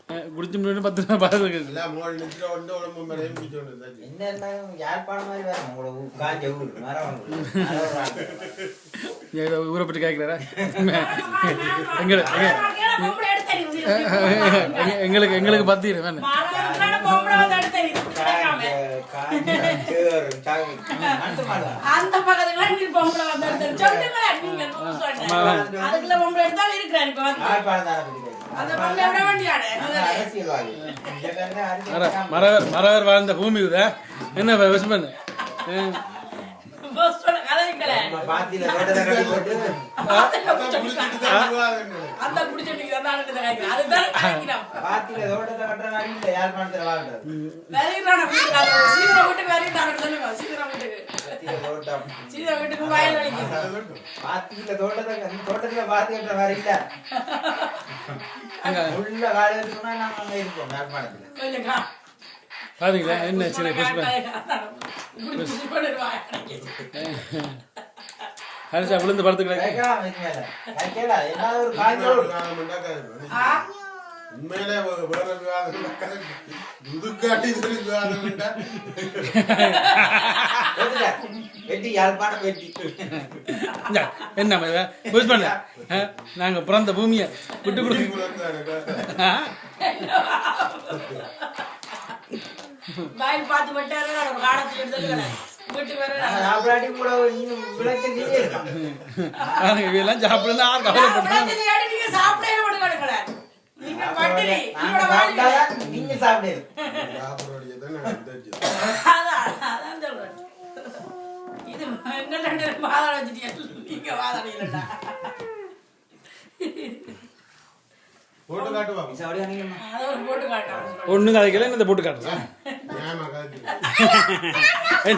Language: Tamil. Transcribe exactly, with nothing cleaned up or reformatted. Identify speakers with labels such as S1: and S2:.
S1: குடிச்சு முன்னாடி பத்து ரூபா பார்த்துருக்கு ஊரை பற்றி கேட்கிறாரா எங்களுக்கு எங்களுக்கு எங்களுக்கு பத்திரு வேணும்
S2: அந்த பக்கத்துல நீ பொம்பளை வந்து சொல்லுங்க நீங்க அதுக்குள்ள பொம்பளை எடுத்தாலும் இருக்கிறாரு இப்ப வந்து அந்த பொம்பளை விட வேண்டியானே
S1: மரவர் மரவர் வாழ்ந்த பூமி இதா என்ன விஷ் பண்ணு
S3: பாத்தியில தோட்டத்தை கட்டி போட்டு
S2: அந்த குடிச்சோண்டிக்கு தான் நடக்குது அதுதான்
S3: பாத்தியில தோட்டத்தை கட்டுற மாதிரி இல்ல யாழ்ப்பாணத்துல வாழ்றது
S2: வேலைக்கான வீட்டுக்கு சீதா வீட்டுக்கு வேலைக்கு சொல்லுங்க சீதா வீட்டுக்கு
S3: தோட்டம்
S2: சீதா வீட்டுக்கு வயல் வலிக்கு
S3: பாத்தியில தோட்டத்தை தோட்டத்துல பாத்தி கட்டுற மாதிரி இல்ல உள்ள வேலை இருக்குன்னா நாங்க அங்க இருப்போம் யாழ்ப்பாணத்துல
S2: கொஞ்சம்
S1: பாத்தீங்களா என்ன சின்ன புஷ்ப ஹரிசா விழுந்து படுத்துக்கிறேன்
S4: உண்மையிலே வேற விவாதம் முதுக்காட்டி விவாதம்
S3: வெட்டி யாழ்ப்பாணம் வெட்டி
S1: என்ன புஷ் பண்ண நாங்க பிறந்த பூமியை விட்டு கொடுக்க
S2: வயல் பார்த்து விட்டாரு காலத்துல எடுத்து வீட்டுக்கு
S1: இதெல்லாம் சாப்பிடுறா
S2: நீங்க சாப்பிடவே விடுங்க நீங்க பட்டினி
S3: நீங்க சாப்பிடு
S2: அதான் சொல்றேன் இது எங்க ரெண்டு வாதாட வச்சுட்டீங்க நீங்க வாதாடலடா
S4: போட்டு காட்டுவா
S2: அத ஒரு போட்டு காட்டுறேன்
S1: ஒண்ணு கதைக்கல இந்த போட்டு காட்டுறேன்
S4: ஏமா காட்டு